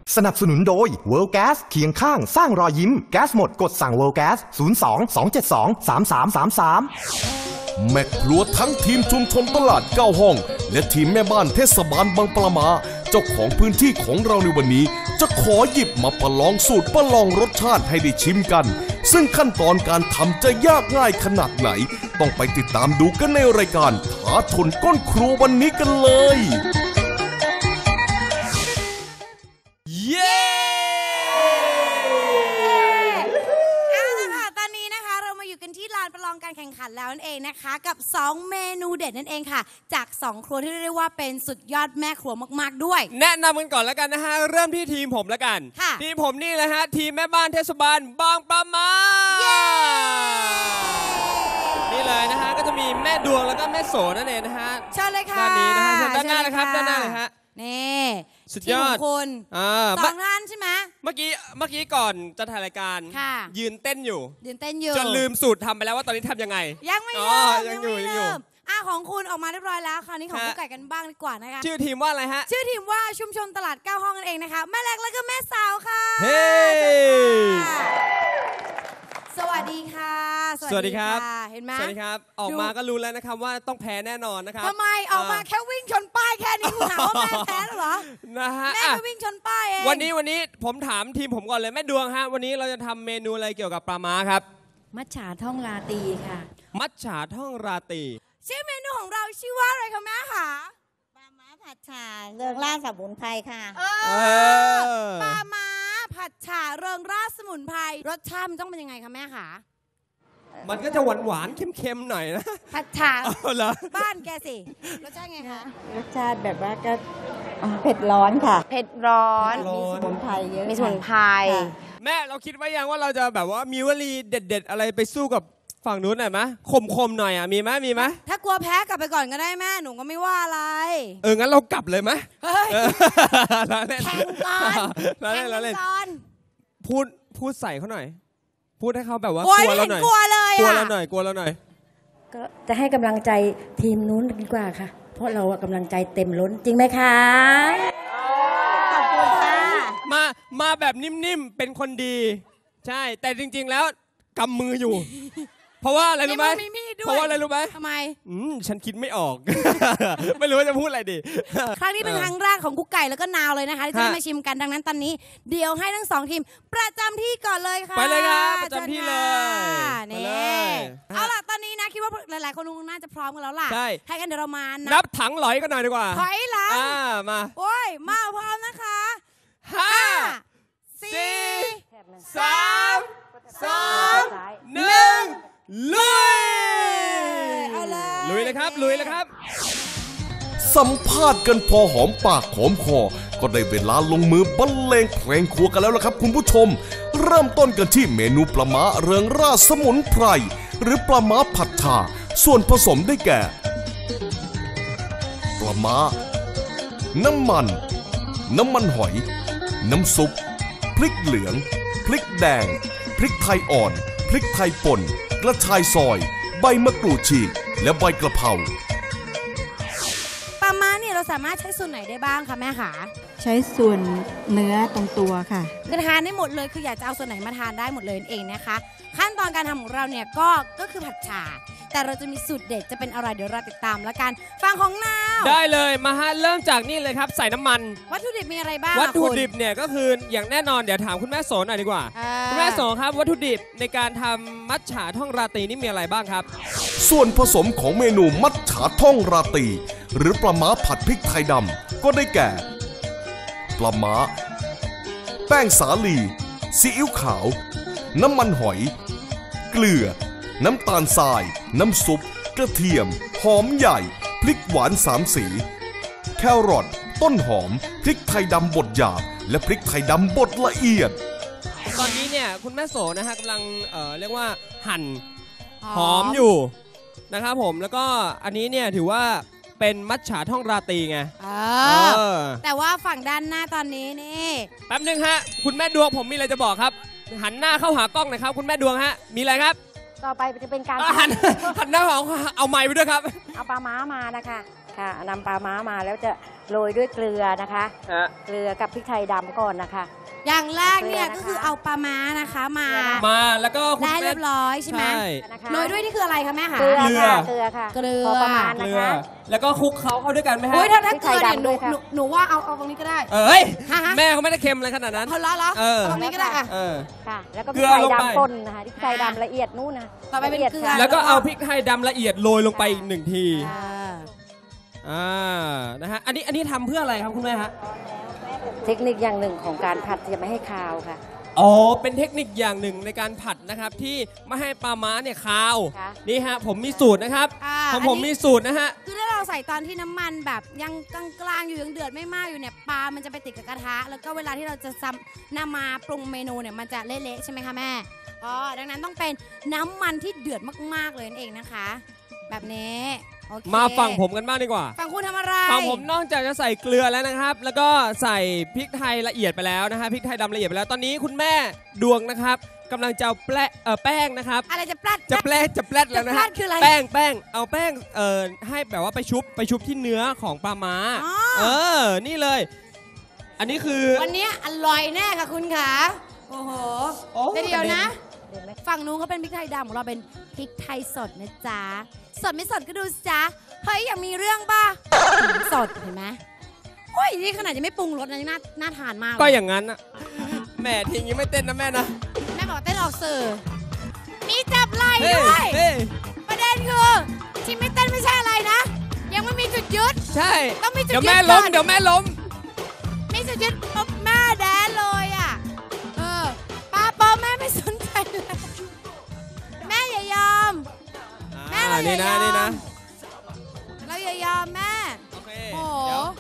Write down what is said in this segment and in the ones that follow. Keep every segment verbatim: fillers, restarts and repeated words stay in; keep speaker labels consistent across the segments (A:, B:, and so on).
A: สนับสนุนโดย World Gas เคียงข้างสร้างรอยยิ้มแก๊สหมดกดสั่ง World Gas ศูนย์ สอง สอง เจ็ด สอง สาม สาม สาม สาม
B: แม่ครัวทั้งทีมชุมชนตลาดเก้าห้องและทีมแม่บ้านเทศบาลบางปลามาเจ้าของพื้นที่ของเราในวันนี้จะขอหยิบมาประลองสูตรประลองรสชาติให้ได้ชิมกันซึ่งขั้นตอนการทำจะยากง่ายขนาดไหนต้องไปติดตามดูกันในรายการท้าชนก้นครัววันนี้กันเลย
C: เย้เอาละค่ะตอนนี้นะคะเรามาอยู่กันที่ลานประลองการแข่งขันแล้วนั่นเองนะคะกับสองเมนูเด็ดนั่นเองค่ะจากสองครัวที่เรียกได้ว่าเป็นสุดยอดแม่ครัวมากๆด้วย
D: แนะนำกันก่อนแล้วกันนะฮะเริ่มที่ทีมผมแล้วกันทีมผมนี่แหละฮะทีมแม่บ้านเทศบาลบางปะมานี่เลยนะฮะก็จะมีแม่ดวงแล้วก็แม่โสนั่นเองนะฮะ
C: เชิญเลยค่ะ
D: ด้านนี้นะฮะด้านหน้าเลยครับด้านหน้าเลยฮะ
C: นี่
D: สุดยอด
C: คุณสองท่านใช่ไหม
D: เมื่อกี้เมื่อกี้ก่อนจะถ่ายรายการยืนเต้นอยู่
C: ยืนเต้นอยู่
D: จนลืมสูตรทำไปแล้วว่าตอนนี้ทำยังไง
C: ยังไม่ลืมยังอยู่ยังอยู่อ่ะของคุณออกมาเรียบร้อยแล้วคราวนี้ของกุ๊กไก่กันบ้างดีกว่านะคะ
D: ชื่อทีมว่าอะไรฮะ
C: ชื่อทีมว่าชุมชนตลาดเก้าห้องนั่นเองนะคะแม่เล็กแล้วก็แม่สาวค่ะ
D: เฮ้
C: สวัสดีค่ะ
D: สวัสดีครับ
C: เห็นไหม
D: สวัสดีครับออกมาก็รู้แล้วนะครับว่าต้องแพ้แน่นอนนะครับ
C: ทำไมออกมาแค่วิ่งชนป้ายแค่นี้คุณหาว่าแม่แพ้หรอ
D: นะฮะ
C: แม่ก็วิ่งชนป้ายเอง
D: วันนี้วันนี้ผมถามทีมผมก่อนเลยแม่ดวงฮะวันนี้เราจะทำเมนูอะไรเกี่ยวกับปลาม้าครับ
E: มัจฉาท่องราตรีค่ะ
D: มัจฉาท่องราตรี
C: ชื่อเมนูของเราชื่อว่าอะไรคะแม่คะ
E: ปลาม้าผัดฉ่าเริงร่าสมุนไพรค่ะ
C: ปลาม้าผัดฉ่าเริงร่าสมุนไพรรสชาติมันต้องเป็นยังไงคะแม่คะ
D: มันก็จะหวานหวานเค็มๆหน่อยนะ
C: ผัดฉ่าบ้านแกสิรสชาติไงคะ
E: รสชาติแบบว่าก็เผ็ดร้อนค่ะ
C: เผ็ดร้อน
E: มีสมุนไพรเยอะ
C: มีสมุนไพร
D: แม่เราคิดไว้ยังว่าเราจะแบบว่ามีวลีเด็ดๆอะไรไปสู้กับฝั่งนู้นหน่อยไหมคมๆหน่อยอ่ะมีไหมมีไหม
C: ถ้ากลัวแพ้กลับไปก่อนก็ได้แม่หนูก็ไม่ว่าอะไร
D: เอองั้นเรากลับเลยไหม
C: เฮ้ยแข่งก่อน
D: แข่ง
C: ก่อน
D: พูดพูดใส่เขาหน่อยพูดให้เขาแบบว่าก
C: ลัวเราหน่อยกลัวเลย
D: กลัวเราหน่อยกลัวเราหน่อย
E: ก็จะให้กำลังใจทีมนู้นดีกว่าค่ะเพราะเรากำลังใจเต็มล้นจริงไหมคะ
C: ขอบคุณค่ะ
D: มามาแบบนิ่มๆเป็นคนดีใช่แต่จริงๆแล้วกำมืออยู่เพราะว่าอะไรรู้ไหมเพราะว่าอะไรรู้ไหม
C: ทำไม
D: อืมฉันคิดไม่ออกไม่รู้ว่าจะพูดอะไรดี
C: ครั้งนี้เป็นครั้งแรกของกุ๊กไก่แล้วก็นาวเลยนะคะที่จะได้มาชิมกันดังนั้นตอนนี้เดี๋ยวให้ทั้งสองทีมประจำที่ก่อนเลยค่ะ
D: ไปเลยครับประจำที่เลย
C: นี่เอาล่ะตอนนี้นะคิดว่าหลายๆคนคงน่าจะพร้อมกันแล้วล่ะ
D: ใช่
C: ให้กันเดี๋ยวเรามา
D: นับถังหลอยกันหน่อยดีกว่า
C: ถอยหลัง
D: มา
C: โอ้ยมาพร้อมนะคะ
D: ห้าสี่สามสองหนึ่งลุยลุยเลยครับลุยเลยครับสัมภาษณ์กันพอหอมปากหอมคอก็ได้เวลาลงมือบรรเลงเพลงครัวกันแล้วล่ะครับคุณผู้ชมเริ่มต้นกันที่เมนูปลาม้าเริงร่าสมุนไพรหรือปลาม้าผัดฉ่าส่วนผสมได้แก่ปลาม้าน้ำมันน้ำมันหอยน้ำซุปพริกเหลืองพริกแดงพริกไทยอ่อนพริกไทยป่นกระชายซอยใบมะกรูดฉีกและใบกระเพรา
C: ปลาม้าเนี่ยเราสามารถใช้ส่วนไหนได้บ้างคะแม่คะ
E: ใช้ส่วนเนื้อตรงตัวค่ะ
C: คือทานได้หมดเลยคืออยากจะเอาส่วนไหนมาทานได้หมดเลยเองนะคะขั้นตอนการทำของเราเนี่ยก็ก็คือผัดฉ่าแต่เราจะมีสูตรเด็ดจะเป็นอะไรเดี๋ยวเราติดตามแล้วกันฟังของนาว
D: ได้เลยมาฮะเริ่มจากนี่เลยครับใส่น้ำมัน
C: วัตถุดิบมีอะไรบ้าง
D: วัตถุดิบเนี่ยก็คืออย่างแน่นอนเดี๋ยวถามคุณแม่โสหน่อยดีกว่าคุณแม่โสครับวัตถุดิบในการทำมัจฉาท่องราตรีนี่มีอะไรบ้างครับ
B: ส่วนผสมของเมนูมัจฉาท่องราตรีหรือปลาม้าผัดพริกไทยดำก็ได้แก่ปลาม้าแป้งสาลีซีอิ๊วขาวน้ำมันหอยเกลือน้ำตาลทรายน้ำซุปกระเทียมหอมใหญ่พริกหวานสามสีแครอทต้นหอมพริกไทยดำบดหยาบและพริกไทยดำบดละเอียด
D: ตอนนี้เนี่ยคุณแม่โสนะฮะกำลังเอ่อเรียกว่าหั่นหอมอยู่นะครับผมแล้วก็อันนี้เนี่ยถือว่าเป็นมัจฉาท่องราตรีไง
C: แต่ว่าฝั่งด้านหน้าตอนนี้นี่
D: แป๊บนึงฮะคุณแม่ดวงผมมีอะไรจะบอกครับหันหน้าเข้าหากล้องหน่อยครับคุณแม่ดวงฮะมีอะไรครับ
E: ต่อไปจะเป็นการ
D: หันหันหน้าของเอาไม้ไปด้วยครับ
E: เอาปลาม้ามานะคะค่ะนำปลาม้ามาแล้วจะโรยด้วยเกลือนะคะ
D: ฮะ
E: เกลือกับพริกไทยดำก่อนนะคะ
C: อย่างแรกเนี่ย
E: เกลือนะคะ
C: ก็คือเอาปลาม้านะคะมา
D: มาแล้วก็คุณ
C: ได้
D: แม่
C: เรียบร้อยใช่ไหม
D: ใช่
E: นะคะ
C: โรยด้วยนี่คืออะไรคะแม่คะ
E: เกลือ
D: เกลือ
E: ค่ะเกลือค่ะ
C: เกลือ
E: พอประมาณ
D: เก
E: นะ
D: ลือ
E: คะ
D: แล้วก็คลุกเขาเข้าด้วยกันไหมฮะ
C: โอ้ยถ้าถ้า
E: พริก
C: เก
E: ไท
C: ลื
E: ย
C: อเนี่ย
E: ดำ
C: หนู
E: ด้วยค่ะ
C: หนูหนูว่าเอาเอาตรงนี้ก็ได้
D: เอ้ย
C: ฮะฮะ
D: แม่เขาไม่ได้เค็มอะไรขนาดนั้น
C: เอาล้อเหรอ
D: เออ
C: เอาตรงนี้ก็ได้อะ
D: เออ
E: ค่ะ แล้วก็พ
D: เกลื
E: ริก
D: อ
E: ไทย
D: ลงไป
E: ดำป่นนะคะพริกไทยดำละเอียดนู่นนะ
C: ต่อไปเป็น
E: ละยด
C: เกลือ
E: ค่ะ
D: แล้วก็เอาพริกไทยดำละเอียดโรยลงไปอีกหนึ่งที
C: เออ
D: อ่านะฮะอันนี้อันนี้ทำเพื่ออะไรครับคุณแม่ฮะ
E: เทคนิคอย่างหนึ่งของการผัดจะไม่ให้คาวค่ะ
D: อ๋อเป็นเทคนิคอย่างหนึ่งในการผัดนะครับที่ไม่ให้ปลาม้าเนี่ยคาว
E: ค่ะ
D: นี่ฮะผมมีสูตรนะครับ
C: อ่า
D: ของผม
C: อันนี้
D: มีสูตรนะฮะ
C: คือถ้าเราใส่ตอนที่น้ำมันแบบยังกลางๆอยู่ยังเดือดไม่มากอยู่เนี่ยปลา มันจะไปติดกับกระทะ แล้วก็เวลาที่เราจะซ้ำนำมาปรุงเมนูเนี่ยมันจะเละๆใช่ไหมคะแม่อ๋อดังนั้นต้องเป็นน้ำมันที่เดือดมากๆเลยนั่นเองนะคะ แบบนี้โอเค
D: มาฝั่งผมกันบ้างดีกว่า
C: ฝั่งคุณทำอะไร
D: ฝั่งผมนอกจากจะใส่เกลือแล้วนะครับ แล้วก็ใส่พริกไทยละเอียดไปแล้วนะฮะพริกไทยดำละเอียดไปแล้วตอนนี้คุณแม่ดวงนะครับกำลังจะเอาแป้งเอ่อแป้งนะครับ
C: อะไรจะปลัด
D: จะแปลจะแปลแล้วนะ
C: จะแปล
D: ฮะ
C: คืออะไร
D: แป้งแป้งเอาแป้งเอ่อให้แบบว่าไปชุบไปชุบที่เนื้อของปลาม้า
C: อ๋อ
D: เออนี่เลย อันนี้คือ
C: วันนี้อร่อยแน่ค่ะคุณขาโอ้โห
D: โอ้
C: แต่เดี๋ยวนะ
E: เดี๋ยวไหม
C: ฝั่งนู้นเขาเป็นพริกไทยดำของเราเป็นพริกไทยสดนะจ๊ะ สดไม่สดก็ดูสิจ๊ะ เฮ้ยอยากมีเรื่องป่ะ สดเห็นไหมโอ้ยนี่ขนาดจะไม่ปรุงรสนะยังน่าน่าทานมากเลย
D: ก็อย่างนั้นอะแหม่ทีนี้ไม่เต้นนะแม่นะ
C: แม่บอกเต้นออกสื่อมีจับไหล่
D: เฮ้ย
C: ด้วย
D: เฮ้ย
C: ประเด็นคือที่ไม่เต้นไม่ใช่อะไรนะ ยังไม่มีจุดยึด
D: ใช่
C: ต้องมีจุด
D: เดี๋ยว
C: ยึด
D: แม่ล้ม
C: ก่อน
D: เดี๋ยวแม่ล้ม
C: มีจุดยึดปุ๊บแม่แดนเลยอ่ะ เออป้าปอแม่ไม่สนใจเลยแม่อย่ายอม แม่เรา
D: นี่
C: อย่ายอม
D: นะนี่นะ
C: เราอย่ายอมแม่
D: โอเค
C: โอ้โห
D: เดี๋ยว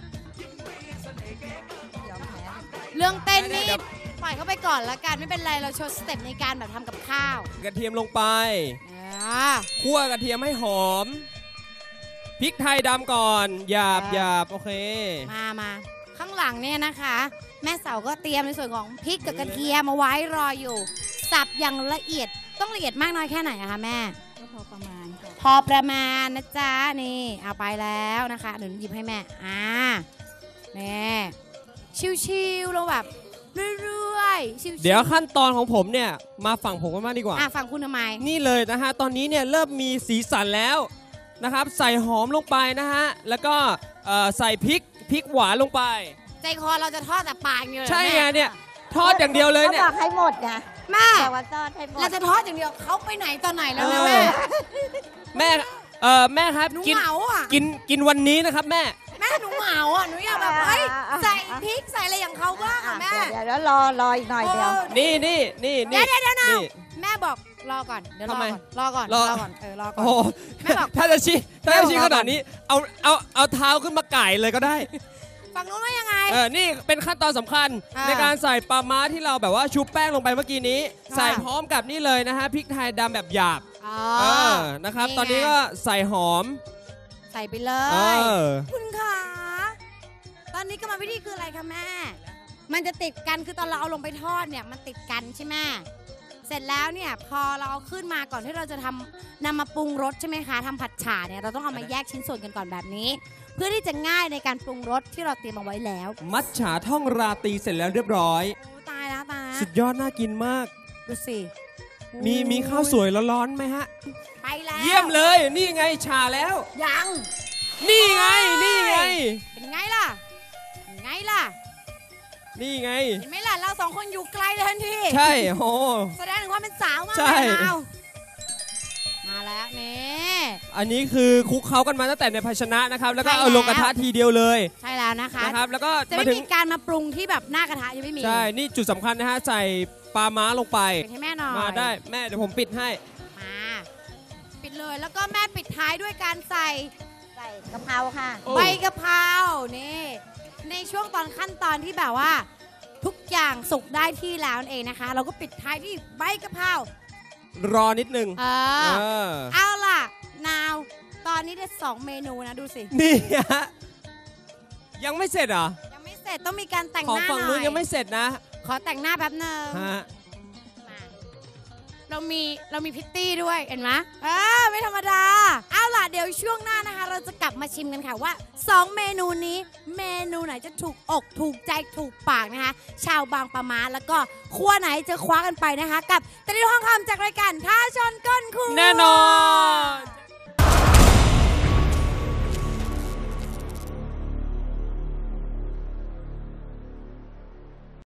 C: เรื่องเต้นนี่
D: เดี๋ยว
C: ปล่อยเขาไปก่อนละกันไม่เป็นไรเราโชว์สเต็ปในการแบบทำกับข้าว
D: กระเทียมลงไป
C: อ่า
D: คั่วกระเทียมให้หอมพริกไทยดำก่อนหยาบ
C: อ่า
D: หยาบโอเค
C: มามาข้างหลังเนี่ยนะคะ แม่เสาก็เตรียมในส่วนของพริกกับกระเทียมมาไว้รออยู่ สับอย่างละเอียดต้องละเอียดมากน้อยแค่ไหนอะคะแม่
E: ก็พอประมาณค่ะ
C: พอประมาณนะจ๊ะนี่เอาไปแล้วนะคะเดี๋ยวหยิบให้แม่อ่านี่ชิวๆเราแบบเรื่อยๆชิวๆ
D: เดี๋ยวขั้นตอนของผมเนี่ยมาฝั่งผมกันบ้างดีกว่า
C: อ่ะฟังคุณทำไม
D: นี่เลยนะฮะตอนนี้เนี่ยเริ่มมีสีสันแล้วนะครับ ใส่หอมลงไปนะฮะแล้วก็เอ่อใส่พริกพริกหวานลงไป
C: ใจคอเราจะทอดแต่ปลายอย่างเดียวเลย
D: ใช่
C: แม่
D: ไงเนี่ยทอดอย่างเดียวเลยเนี่ย
E: ขาบอกให้หมดไง
C: แม่
E: แต่ว่าทอดให้หมด
C: เราจะทอดอย่างเดียวเขาไปไหนตอนไหนแล้ว
D: เอ
C: นะ
D: อ
C: แม่
D: แม่เออแม่ครับ
C: หนู
D: กิน
C: เหงาอ่ะ
D: กินกินวันนี้นะครับแม่
C: แม่หนูเหงาอ่ะหนูอยากแบบเฮ้ยใส่พริกใส่อะไรอย่างเขาบ้างอ่ะแม่
E: เดี๋ยวเดี๋ยวรอรออีกหน่อยเดียว
C: เออ
D: นี่นี่นี่
C: เดี๋ยวเดี๋ยวเดี๋ยวนะ
D: นี่
C: แม่บอกรอก่อนเดี๋ยวรอ
D: ทำไม
C: ก่อนรอก่อน
D: รอ
C: รอก่อนเออรอก่อ
D: โอ้
C: น
D: โห
C: แม่บอก
D: ถ้าจะชี้ถ้า
C: แม่
D: จะ
C: บอก
D: ชี้
C: รอ
D: ข
C: ก่
D: นา
C: อ
D: ด
C: น
D: นี้เอาเอาเอาเท้าขึ้นมาไก่เลยก็ได้
C: ฝั่งนู้นว่ายังไง
D: เออ นี่เป็นขั้นตอนสำคัญ
C: อ่า
D: ในการใส่ปลาม้าที่เราแบบว่าชุบแป้งลงไปเมื่อกี้นี้
C: ค่ะ
D: ใส่พร้อมกับนี่เลยนะฮะพริกไทยดำแบบหยาบ
C: อ๋อ
D: เออนะครับ
C: นี่ไง
D: ตอนนี้ก็ใส่หอม
C: ใส่ไปเล
D: เอย อ
C: คุณขาตอนนี้กรรมวิธีคืออะไรคะแม่ มันจะติดกันคือตอนเราเอาลงไปทอดเนี่ยมันติดกันใช่ไหมเสร็จแล้วเนี่ยพอเราเอาขึ้นมาก่อนที่เราจะทำนำมาปรุงรสใช่ไหมคะทำผัดฉ่าเนี่ยเราต้องเอามาแยกชิ้นส่วนกันก่อนแบบนี้ เพื่อที่จะง่ายในการปรุงรสที่เราเตรียมเอาไว้แล้ว
D: มัทฉาท่องราตรีเสร็จแล้วเรียบร้อย
C: โอ้ตายแล้วตายแล้ว
D: สุดยอดน่ากินมาก
C: ดูสิ
D: มีมีข้าวสวยร้อนๆไหมฮะ
C: ไปแล้ว
D: เยี่ยมเลย นี่ไงฉาแล้ว
C: ยัง
D: นี่ไง นี่ไง
C: เป็นไงล่ะเป็นไงล่ะ
D: นี่ไง
C: เห็นไหมล่ะเราสองคนอยู่ไกลเลยทันที
D: ใช่โอ้
C: แสดงถึงความเป็นสาวมาก
D: ใช่
C: เลยเอามาแล้วนี่
D: อันนี้คือคลุกเคล้ากันมาตั้งแต่ในภาชนะนะครับ แล้วก็
C: ใช่
D: เอาลง
C: แล้ว
D: กระทะทีเดียวเลย
C: ใช่แล้วนะคะ
D: นะครับ แล้วก็
C: จะ
D: มา
C: ไม่
D: ถึง
C: มีการมาปรุงที่แบบหน้ากระทะยังไม่มี
D: ใช่ นี่จุดสำคัญนะฮะ ใส่ปลาม้าลงไป
C: ปิดให้แม่หน่อย
D: มาได้แม่เดี๋ยวผมปิดให้
C: มาปิดเลยแล้วก็แม่ปิดท้ายด้วยการใส่
E: ใส่กะเพราค่ะ
D: โอ้
C: ใบกะเพรานี่ในช่วงตอนขั้นตอนที่แบบว่า ทุกอย่างสุกได้ที่แล้วนั่นเองนะคะ เราก็ปิดท้ายที่ใบกะเพราร
D: อนิดนึง
C: เอ
D: เอ
C: อ
D: อ
C: เอาล่ะนาวตอนนี้ได้สองเมนูนะดูสิ
D: นี่ฮะยังไม่เสร็จเหรอ
C: ยังไม่เสร็จต้องมีการแต่ง
D: ของ
C: หน้า
D: ฝั่ง
C: หน่
D: นู้
C: อน ย
D: ยังไม่เสร็จนะ
C: ขอแต่งหน้าแป๊บหนึง
D: ฮะ
C: มาเรามีเรามีพิตตี้ด้วยเห็นไหมเออไม่ธรรมดาเอาล่ะเดี๋ยวช่วงหน้านะคะเราจะกลับมาชิมกันค่ะว่าสองเมนูนี้เมนูไหนจะถูกอกถูกใจถูกปากนะคะชาวบางปะมาแล้วก็ครัวไหนจะคว้ากันไปนะคะกับตะลิวห้องคำจากรายการท้าชนก้นครัว
D: แน่นอน